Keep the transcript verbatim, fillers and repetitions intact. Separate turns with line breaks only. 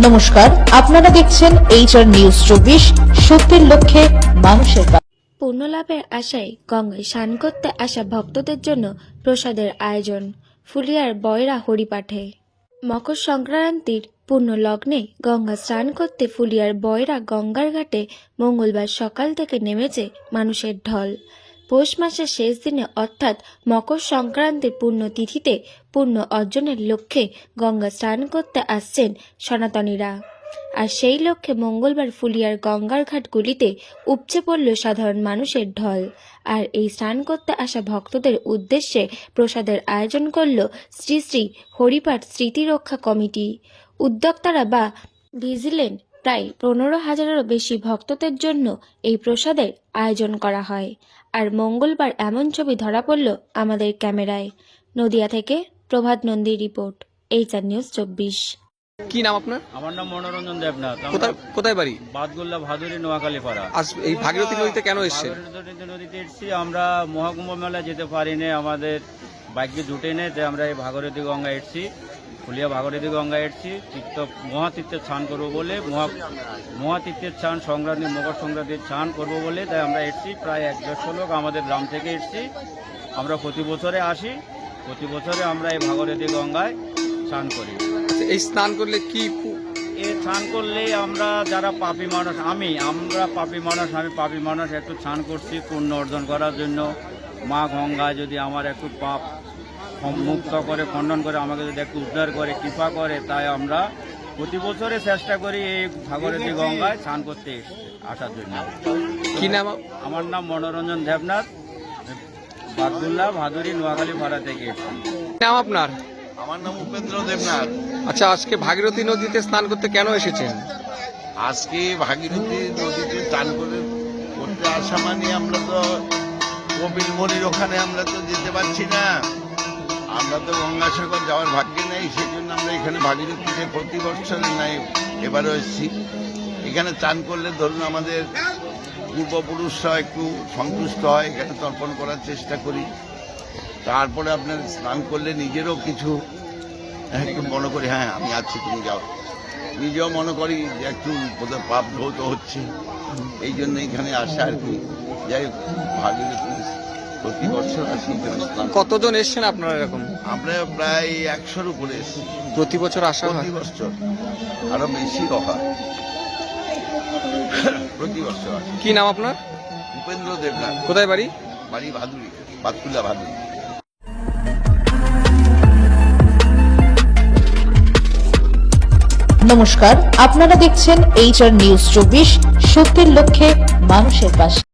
নমস্কার, আপনারা দেখছেন এইচআর নিউজ চব্বিশ, সত্যের লক্ষ্যে মানুষের পাশে।
পুণ্য লাভের আশায় গঙ্গায় স্নান করতে আসা ভক্তদের জন্য প্রসাদের আয়োজন। ফুলিয়ার বয়রা হরিপাঠে। মকর সংক্রান্তির পূর্ণ লগ্নে গঙ্গা স্নান করতে ফুলিয়ার বয়রা গঙ্গার ঘাটে মঙ্গলবার সকাল থেকে নেমেছে মানুষের ঢল। পৌষ মাসের শেষ দিনে অর্থাৎ মকর সংক্রান্তির পূর্ণ তিথিতে পুণ্য অর্জনের লক্ষ্যে গঙ্গা স্নান করতে আসছেন সনাতনীরা। আর সেই লক্ষ্যে মঙ্গলবার ফুলিয়ার গঙ্গার ঘাটগুলিতে উপচে পড়ল সাধারণ মানুষের ঢল। আর এই স্নান করতে আসা ভক্তদের উদ্দেশ্যে প্রসাদের আয়োজন করল শ্রী শ্রী হরিপাঠ স্মৃতি রক্ষা কমিটি। উদ্যোক্তারা বা ভিজিলেন্ট প্রায় পনেরো হাজারেরও বেশি ভক্তদের জন্য এই প্রসাদের আয়োজন করা হয়। আর মঙ্গলবার এমন ছবি ধরা পড়ল আমাদের ক্যামেরায়। নদিয়া থেকে প্রভাত নন্দীর রিপোর্ট, এইচআর নিউজ চব্বিশ।
কি নাম আপনার?
আমার নাম মনোরঞ্জন দেবনাথ।
কোথায় কোথায় বাড়ি?
বাদগুল্লা ভাদুরী নোয়াখালী পাড়া।
আজ এই ভাগীরথী নদীতে কেন এসেছেন?
ভাগীরথী নদীতে এসেছি, আমরা মহাকুম্ভ মেলা যেতে পারিনি, আমাদের বাইকে জুটে নেই, তাই আমরা এই ভাগীরথী গঙ্গা এসেছি, ফুলিয়া ভাগীরথী গঙ্গা এসেছি তীর্থ মহাতীর্থের স্নান করবো বলে, মহা মহাতীর্থের স্নান সংক্রান্তি মকর সংক্রান্তির স্নান করবো বলে তাই আমরা এসেছি। প্রায় এক দেড়শো লোক আমাদের গ্রাম থেকে এসেছি। আমরা প্রতি বছরে আসি, প্রতি বছরে আমরা এই ভাগীরথী গঙ্গায় স্নান করি।
এই স্নান করলে কি
এ স্নান করলে আমরা যারা পাপী মানুষ, আমি আমরা পাপী মানুষ আমি পাপী মানুষ একটু স্নান করছি পুণ্য অর্জন করার জন্য। মা গঙ্গা যদি আমার একটু পাপ মুক্ত করে, খণ্ডন করে, আমাকে যদি একটু উদ্ধার করে, কৃপা করে, তাই আমরা প্রতি বছরে চেষ্টা করি এই ভাগীরথী গঙ্গায় স্নান করতে আসার জন্য।
কি নাম?
আমার নাম মনোরঞ্জন দেবনাথ, বাদগুল্লা ভাদুরী নোয়াখালী পাড়া থেকে এসেছি।
নাম আপনার?
আমার নাম উপেন্দ্র দেবনাথ।
আচ্ছা, আজকে ভাগীরথী নদীতে স্নান করতে কেন এসেছেন?
আজকে ভাগীরথী নদীতে স্নান করে করতে আসা মানে আমরা তো কপিল মুনির ওখানে আমরা তো যেতে পারছি না, আমরা তো গঙ্গাসাগর যাওয়ার ভাগ্যে নেই, সেই জন্য আমরা এখানে ভাগীরথীতে প্রতি বছরে নাই এবারও এসেছি। এখানে স্নান করলে ধরুন আমাদের পূর্বপুরুষরা একটু সন্তুষ্ট হয়, এখানে তর্পণ করার চেষ্টা করি। তারপরে আপনার স্নান করলে নিজেরও কিছু একটু মনে করি, হ্যাঁ আমি আছি, তুমি যাও, নিজেও মনে করি যে একটু বোধহয় পাপ ধৌত হচ্ছে, এই জন্য এখানে আসা আর কি। যাই হোক, ভাগীরথী প্রতি বছর আসি এখানে স্নান।
কতজন এসছেন আপনারা এরকম?
আমরা প্রায় একশোর উপরে এসেছি
প্রতি বছর আসা হয়?
প্রতি বছর, আরো বেশি হয় প্রতি বছর আসি।
কি নাম আপনার?
উপেন্দ্র দেবনাথ।
কোথায় বাড়ি?
বাড়ি ভাদুরী, বাদকুল্লা ভাদুরী।
নমস্কার, আপনারা দেখছেন এইচআর নিউজ চব্বিশ, সত্যের লক্ষ্যে মানুষের পাশে।